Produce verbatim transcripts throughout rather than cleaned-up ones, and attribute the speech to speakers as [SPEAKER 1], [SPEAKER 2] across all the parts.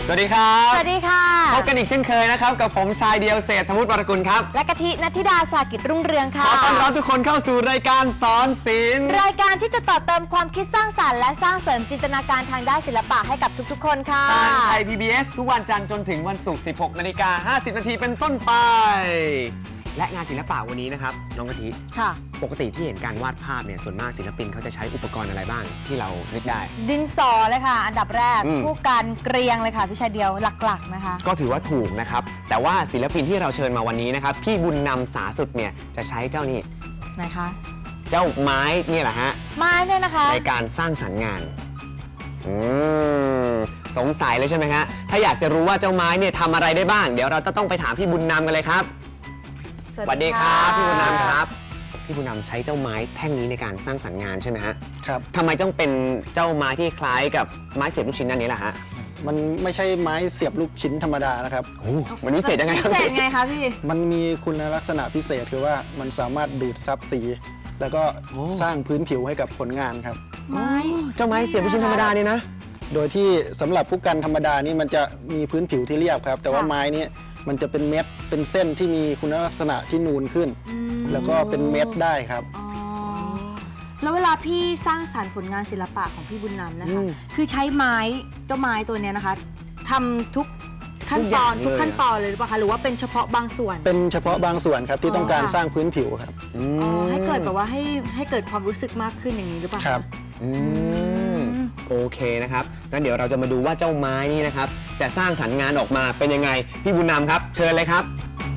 [SPEAKER 1] สวัสดีครับ
[SPEAKER 2] สวัสดีค่ะ
[SPEAKER 1] พบกันอีกเช่นเคยนะครับกับผมชายเดียวเศรษฐวุฒิวรกุลครับ
[SPEAKER 2] และกะทินัทธิดาสากิจรุ่งเรืองค่ะ
[SPEAKER 1] ขอต้อนรับทุกคนเข้าสู่รายการสอนศิลป์
[SPEAKER 2] รายการที่จะต่อเติมความคิดสร้างสรรค์และสร้างเสริมจินตนาการทางด้านศิลปะให้กับทุกๆคนค่ะ
[SPEAKER 1] ทางไทย พี บี เอส ทุกวันจันทร์จนถึงวันศุกร์ สิบหกนาฬิกาห้าสิบนาทีเป็นต้นไปและงานศิลปะวันนี้นะครับน้องกะทิ
[SPEAKER 2] ค่ะ
[SPEAKER 1] ปกติที่เห็นการวาดภาพเนี่ยส่วนมากศิลปินเขาจะใช้อุปกรณ์อะไรบ้างที่เรานึกได้
[SPEAKER 2] ดินสอเลยค่ะอันดับแรกผู้การเกรียงเลยค่ะพี่ชายเดียวหลักๆนะคะ
[SPEAKER 1] ก็ถือว่าถูกนะครับแต่ว่าศิลปินที่เราเชิญมาวันนี้นะครับพี่บุญนำสาสุดเนี่ยจะใช้เจ้านี่
[SPEAKER 2] ไหนคะ
[SPEAKER 1] เจ้าไม้เนี่ยแหละฮะ
[SPEAKER 2] ไม้เนี่ยนะคะ
[SPEAKER 1] ในการสร้างสรรค์งานอืมสงสัยเลยใช่ไหมฮะถ้าอยากจะรู้ว่าเจ้าไม้เนี่ยทำอะไรได้บ้างเดี๋ยวเราจะต้องไปถามพี่บุญนำกันเลยครับสวัสดีครับพี่บุญนำครับพี่บุญนำใช้เจ้าไม้แท่งนี้ในการสร้างสรรค์งานใช่ไหมฮะ
[SPEAKER 3] ครับ
[SPEAKER 1] ทำไมต้องเป็นเจ้าไม้ที่คล้ายกับไม้เสียบลูกชิ้นอันนี้ล่ะฮะ
[SPEAKER 3] มันไม่ใช่ไม้เสียบลูกชิ้นธรรมดานะครับ
[SPEAKER 1] โอ้มันพิเศษยังไง
[SPEAKER 2] พิเศษไงคะพี่
[SPEAKER 3] มันมีคุณลักษณะพิเศษคือว่ามันสามารถดูดซับสีแล้วก็สร้างพื้นผิวให้กับผลงานครับ
[SPEAKER 2] ไม้
[SPEAKER 1] เจ้าไม้เสียบลูกชิ้นธรรมดาเนี่ยนะ
[SPEAKER 3] โดยที่สำหรับผู้กันธรรมดานี่มันจะมีพื้นผิวที่เรียบครับแต่ว่าไม้นี้มันจะเป็นเม็ดเป็นเส้นที่มีคุณลักษณะที่นูนขึ้นแล้วก็เป็นเม็ดได้ครับ
[SPEAKER 2] แล้วเวลาพี่สร้างสรรค์ผลงานศิลปะของพี่บุญนำนะคะคือใช้ไม้เจ้าไม้ตัวนี้นะคะทำทุกขั้นตอนทุกขั้นตอนเลยหรือเปล่าคะหรือว่าเป็นเฉพาะบางส่วน
[SPEAKER 3] เป็นเฉพาะบางส่วนครับที่ต้องการสร้างพื้นผิวครับ
[SPEAKER 2] ให้เกิดแบบว่าให้ให้เกิดความรู้สึกมากขึ้นอย่างนี้หรือเปล่า
[SPEAKER 3] ครับ
[SPEAKER 1] โอเคนะครับงั้นเดี๋ยวเราจะมาดูว่าเจ้าไม้นี้นะครับจะสร้างสรรค์งานออกมาเป็นยังไงพี่บุญนำครับเชิญเลยครับ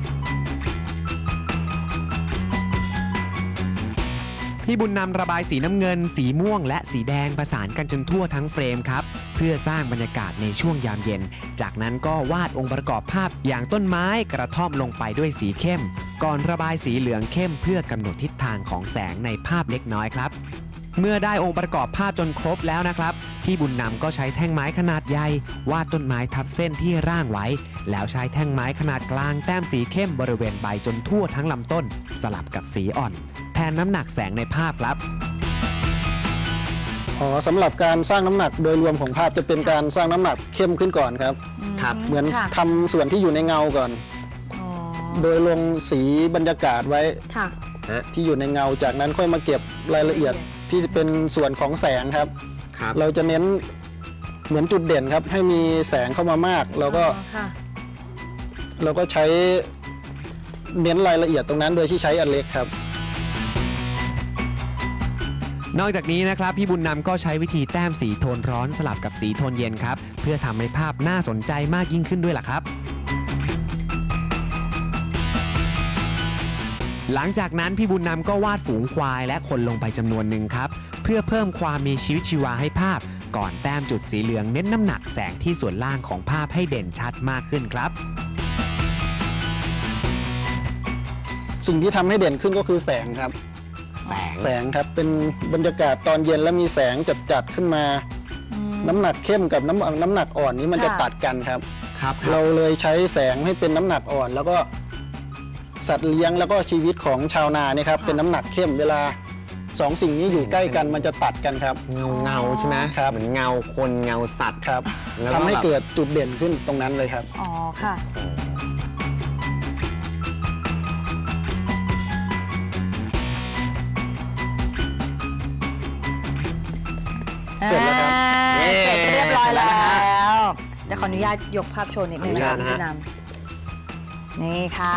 [SPEAKER 4] พี่บุญนำระบายสีน้ำเงินสีม่วงและสีแดงประสานกันจนทั่วทั้งเฟรมครับเพื่อสร้างบรรยากาศในช่วงยามเย็นจากนั้นก็วาดองค์ประกอบภาพอย่างต้นไม้กระท่อมลงไปด้วยสีเข้มก่อนระบายสีเหลืองเข้มเพื่อกำหนดทิศทางของแสงในภาพเล็กน้อยครับเมื่อได้องค์ประกอบภาพจนครบแล้วนะครับพี่บุญนำก็ใช้แท่งไม้ขนาดใหญ่วาดต้นไม้ทับเส้นที่ร่างไว้แล้วใช้แท่งไม้ขนาดกลางแต้มสีเข้มบริเวณใบจนทั่วทั้งลำต้นสลับกับสีอ่อนแทนน้ำหนักแสงในภาพครับ
[SPEAKER 3] อ๋อสำหรับการสร้างน้ำหนักโดยรวมของภาพจะเป็นการสร้างน้ำหนักเข้มขึ้นก่อนครับ
[SPEAKER 1] ครับ
[SPEAKER 3] เหมือนทำส่วนที่อยู่ในเงาก่อนโดยลงสีบรรยากาศไว้ที่อยู่ในเงาจากนั้นค่อยมาเก็บรายละเอียดที่เป็นส่วนของแสงครับเราจะเน้นเหมือนจุดเด่นครับให้มีแสงเข้ามามากเราก็เราก็ใช้เน้นรายละเอียดตรงนั้นโดยที่ใช้อันเล็กครับ
[SPEAKER 4] นอกจากนี้นะครับพี่บุญนำก็ใช้วิธีแต้มสีโทนร้อนสลับกับสีโทนเย็นครับเพื่อทำให้ภาพน่าสนใจมากยิ่งขึ้นด้วยล่ะครับหลังจากนั้นพี่บุญนำก็วาดฝูงควายและคนลงไปจำนวนหนึ่งครับเพื่อเพิ่มความมีชีวิตชีวาให้ภาพก่อนแต้มจุดสีเหลืองเน้นน้ำหนักแสงที่ส่วนล่างของภาพให้เด่นชัดมากขึ้นครับ
[SPEAKER 3] สิ่งที่ทำให้เด่นขึ้นก็คือแสงครับ
[SPEAKER 1] แสง
[SPEAKER 3] แสงครับเป็นบรรยากาศตอนเย็นแล้วมีแสงจัดๆขึ้นมาน้ำหนักเข้มกับน้ำน้ำหนักอ่อนนี้มันจะตัดกันครับ
[SPEAKER 1] ครับ
[SPEAKER 3] เราเลยใช้แสงให้เป็นน้ำหนักอ่อนแล้วก็สัตว์เลี้ยงแล้วก็ชีวิตของชาวนาเนี่ยครับเป็นน้ำหนักเข้มเวลาสองสิ่งนี้อยู่ใกล้กันมันจะตัดกันครับ
[SPEAKER 1] เงาเงาใช่ไหม
[SPEAKER 3] ครับ
[SPEAKER 1] เหมือนเงาคนเงาสัตว์
[SPEAKER 3] ครับทำให้เกิดจุดเด่นขึ้นตรงนั้นเลยครับ
[SPEAKER 2] อ๋อค่ะ
[SPEAKER 3] เสร็จแล้วครับ
[SPEAKER 2] เสร็จเรียบร้อยแล้วเดี๋ยวขออนุญาตยกภาพโชว์นิดนึงนะคะพี่นำนี่ค่ะ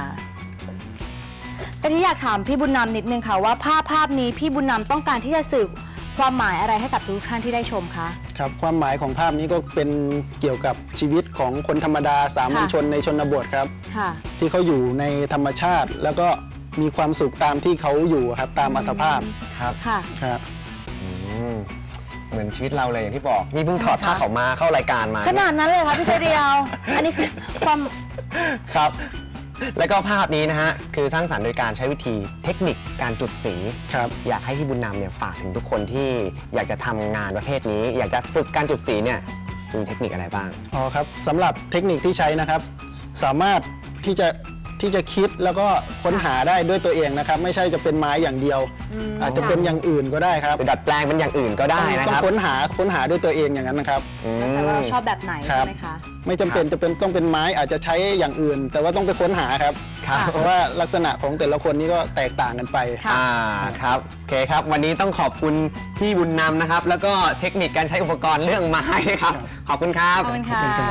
[SPEAKER 2] แต่ที่อยากถามพี่บุญนำนิดนึงค่ะว่าภาพภาพนี้พี่บุญนำต้องการที่จะสื่อความหมายอะไรให้กับทุกท่านที่ได้ชมคะ
[SPEAKER 3] ครับความหมายของภาพนี้ก็เป็นเกี่ยวกับชีวิตของคนธรรมดาสามัญชนในชนบทครับที่เขาอยู่ในธรรมชาติแล้วก็มีความสุขตามที่เขาอยู่ครับตามอัตภาพ
[SPEAKER 1] ครับ
[SPEAKER 2] ค่ะ
[SPEAKER 3] ครับ
[SPEAKER 1] เหมือนชีวิตเราเลยอย่างที่บอกนี่เพิ่งถอดผ้าเขามาเข้ารายการมา
[SPEAKER 2] ขนาดนั้นเลยค่ะพี่ชายเดียวอันนี้คือความ
[SPEAKER 1] ครับแล้วก็ภาพนี้นะฮะคือสร้างสรรค์โดยการใช้วิธีเทคนิคการจุดสี
[SPEAKER 3] ครับ
[SPEAKER 1] อยากให้พี่บุญนำเนี่ยฝากถึงทุกคนที่อยากจะทำงานประเภทนี้อยากจะฝึกการจุดสีเนี่ยมีเทคนิคอะไรบ้าง
[SPEAKER 3] อ๋อครับสำหรับเทคนิคที่ใช้นะครับสามารถที่จะที่จะคิดแล้วก็ค้นหาได้ด้วยตัวเองนะครับไม่ใช่จะเป็นไม้อย่างเดียว อาจจะเป็นอย่างอื่นก็ได้ครับ
[SPEAKER 1] ไปดัดแปลงเป็นอย่างอื่นก็ได้นะ
[SPEAKER 3] ต้อ
[SPEAKER 1] ค
[SPEAKER 3] ง
[SPEAKER 1] รับ
[SPEAKER 3] ค้นหาค้นหาด้วยตัวเองอย่างนั้นนะครับ
[SPEAKER 2] แต่ว่าเราชอบแบบไหน
[SPEAKER 3] ครั
[SPEAKER 2] ใช่
[SPEAKER 3] บ
[SPEAKER 2] ไหมคะ
[SPEAKER 3] ไม่จำเป็นจะเป็นต้องเป็นไม้อาจจะใช้อย่างอื่น แต่ว่าต้องไปค้นหาครับ
[SPEAKER 1] ครับ
[SPEAKER 3] เพราะว่าลักษณะของแต่ละคนนี่ก็แตกต่างกันไป
[SPEAKER 2] ค่ะ
[SPEAKER 1] อ่าครับโอเคครับ วันนี้ต้องขอบคุณพี่บุญนำนะครับ แล้วก็เทคนิคการใช้อุปกรณ์เรื่องไม้นะครับ ขอบคุณครับ
[SPEAKER 2] ขอบคุณค่ะ
[SPEAKER 3] ขอบคุณครับ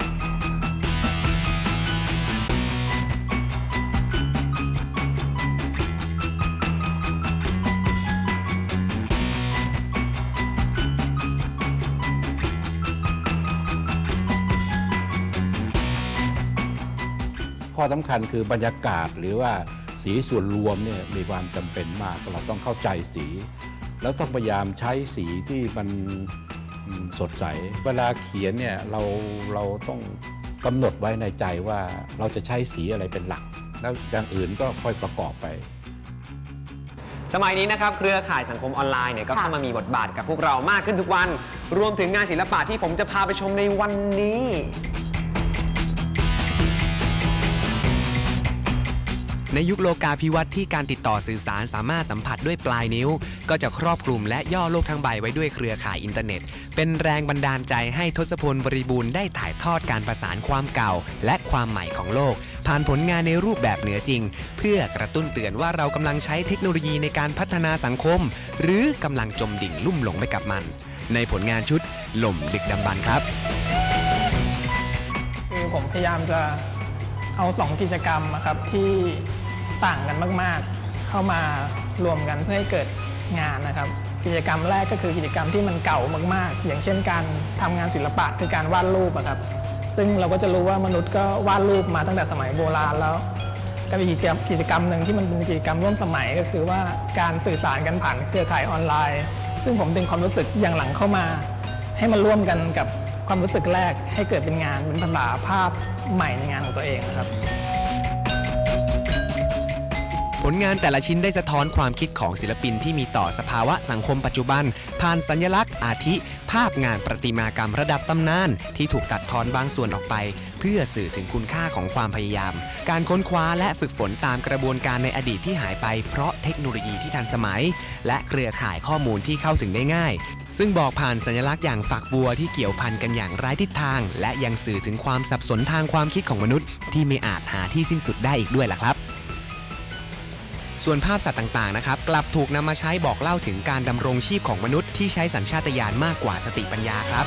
[SPEAKER 5] ข้อสำคัญคือบรรยากาศหรือว่าสีส่วนรวมเนี่ยมีความจำเป็นมากเราต้องเข้าใจสี แล้วต้องพยายามใช้สีที่มันอืมสดใส เวลาเขียนเนี่ยเราเราต้องกำหนดไว้ในใจว่าเราจะใช้สีอะไรเป็นหลัก แล้วอย่างอื่นก็ค่อยประกอบไป
[SPEAKER 1] สมัยนี้นะครับเครือข่ายสังคมออนไลน์เนี่ยก็เข้ามามีบทบาทกับพวกเรามากขึ้นทุกวัน รวมถึงงานศิลปะที่ผมจะพาไปชมในวันนี้
[SPEAKER 4] ในยุคโลกาภิวัตน์ที่การติดต่อสื่อสารสามารถสัมผัสด้วยปลายนิ้ว ก็จะครอบคลุมและย่อโลกทั้งใบไว้ด้วยเครือข่ายอินเทอร์เน็ต เป็นแรงบันดาลใจให้ทศพลบริบูรณ์ได้ถ่ายทอดการประสานความเก่า และความใหม่ของโลก ผ่านผลงานในรูปแบบเหนือจริง เพื่อกระตุ้นเตือนว่าเรากำลังใช้เทคโนโลยีในการพัฒนาสังคม หรือกำลังจมดิ่งลุ่มหลงไปกับมัน ในผลงานชุดหล่มดึกดำบรรพ์ครับ
[SPEAKER 6] คือผมพยายามจะเอาสองกิจกรรมอะครับที่ต่างกันมากๆ เข้ามารวมกันเพื่อให้เกิดงานนะครับ กิจกรรมแรกก็คือกิจกรรมที่มันเก่ามากๆ อย่างเช่นการทำงานศิลปะคือการวาดรูปอะครับซึ่งเราก็จะรู้ว่ามนุษย์ก็วาดรูปมาตั้งแต่สมัยโบราณแล้วก็มีกิจกรรมกิจกรรมหนึ่งที่มันเป็นกิจกรรมร่วมสมัยก็คือว่าการสื่อสารกันผ่านเครือข่ายออนไลน์ ซึ่งผมดึงความรู้สึกอย่างหลังเข้ามาให้มันร่วมกันกับความรู้สึกแรกให้เกิดเป็นงานเป็นภาษาภาพใหม่ในงานของตัวเองนะครับ
[SPEAKER 4] ผลงานแต่ละชิ้นได้สะท้อนความคิดของศิลปินที่มีต่อสภาวะสังคมปัจจุบัน ผ่านสัญลักษณ์อาทิ ภาพงานประติมากรรมระดับตำนาน ที่ถูกตัดทอนบางส่วนออกไป เพื่อสื่อถึงคุณค่าของความพยายาม การค้นคว้าและฝึกฝนตามกระบวนการในอดีตที่หายไปเพราะเทคโนโลยีที่ทันสมัย และเครือข่ายข้อมูลที่เข้าถึงได้ง่าย ซึ่งบอกผ่านสัญลักษณ์อย่างฝักบัวที่เกี่ยวพันกันอย่างไร้ทิศทาง และยังสื่อถึงความสับสนทางความคิดของมนุษย์ ที่ไม่อาจหาที่สิ้นสุดได้อีกด้วยล่ะครับ ส่วนภาพสัตว์ต่างๆนะครับกลับถูกนำมาใช้บอกเล่าถึงการดำรงชีพของมนุษย์ที่ใช้สัญชาตญาณมากกว่าสติปัญญาครับ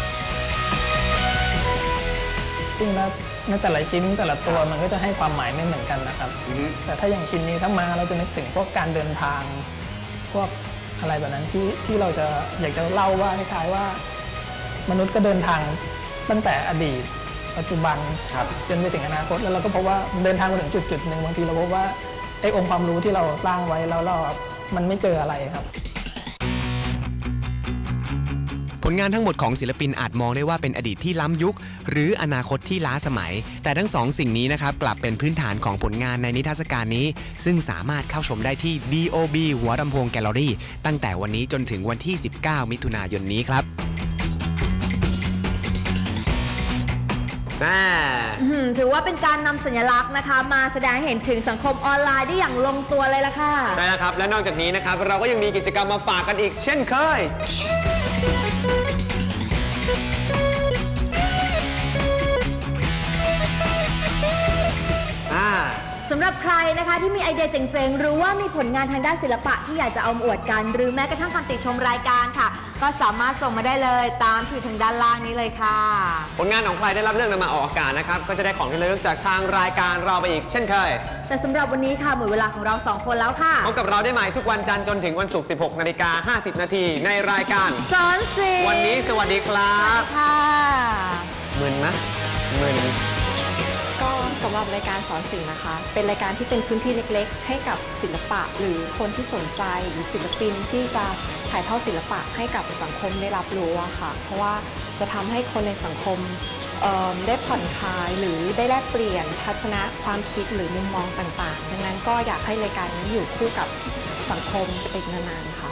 [SPEAKER 6] ซึ่งในแต่ละชิ้นแต่ละตัวมันก็จะให้ความหมายไม่เหมือนกันนะครับ แต่ถ้าอย่างชิ้นนี้ถ้ามาเราจะนึกถึงพวกการเดินทางพวกอะไรแบบนั้นที่ที่เราจะอยากจะเล่าว่าคล้ายๆว่ามนุษย์ก็เดินทางตั้งแต่อดีตปัจจุบันจนไปถึงอนาคตแล้วเราก็พบว่าเดินทางมาถึงจุดจุดหนึ่งบางทีเราพบว่าไอ้องค์ความรู้ที่เราสร้างไว้แล้วเรามันไม่เจออะไรครับ
[SPEAKER 4] ผลงานทั้งหมดของศิลปินอาจมองได้ว่าเป็นอดีตที่ล้ำยุค หรืออนาคตที่ล้าสมัย แต่ทั้งสองสิ่งนี้นะครับกลับเป็นพื้นฐานของผลงานในนิทรรศการนี้ ซึ่งสามารถเข้าชมได้ที่ ดี โอ บี หัวลำโพงแกลเลอรี่ตั้งแต่วันนี้จนถึงวันที่ สิบเก้า มิถุนายนนี้ครับ
[SPEAKER 2] ถือว่าเป็นการนำสัญลักษณ์นะคะมาแสดงให้เห็นถึงสังคมออนไลน์ได้อย่างลงตัวเลยล่ะค่ะ
[SPEAKER 1] ใช่แล้วครับ และนอกจากนี้นะครับเราก็ยังมีกิจกรรมมาฝากกันอีกเช่นเคย
[SPEAKER 2] สำหรับใครนะคะที่มีไอเดียเจ๋งๆหรือว่ามีผลงานทางด้านศิลปะที่อยากจะเอามาอวดกัน หรือแม้กระทั่งคำติชมรายการค่ะ ก็สามารถส่งมาได้เลยตามที่ทางด้านล่างนี้เลยค่ะ
[SPEAKER 1] ผลงานของใครได้รับเลือกนำมาออกอากาศนะครับก็จะได้ของที่ระลึกจากทางรายการเราไปอีกเช่นเคย
[SPEAKER 2] แต่สำหรับวันนี้ค่ะหมดเวลาของเราสองคนแล้วค่ะ
[SPEAKER 1] พบกับเราได้ใหม่ทุกวันจันทร์จนถึงวันศุกร์ สิบหกนาฬิกาห้าสิบ นาทีในรายการ
[SPEAKER 2] สอนศิลป์
[SPEAKER 1] วันนี้สวัสดีครับ
[SPEAKER 2] ค่ะ
[SPEAKER 1] มึนนะมึน
[SPEAKER 7] ก็สำหรับรายการสอนศิลป์นะคะ เป็นรายการที่เป็นพื้นที่เล็กๆ ให้กับศิลปะหรือคนที่สนใจหรือศิลปินที่จะถ่ายทอดศิลปะให้กับสังคมได้รับรู้อะค่ะ เพราะว่าจะทำให้คนในสังคมได้ผ่อนคลายหรือได้แลกเปลี่ยนทัศนะความคิดหรือมุมมองต่างๆดังนั้นก็อยากให้รายการนี้อยู่คู่กับสังคมไปนานๆค่ะ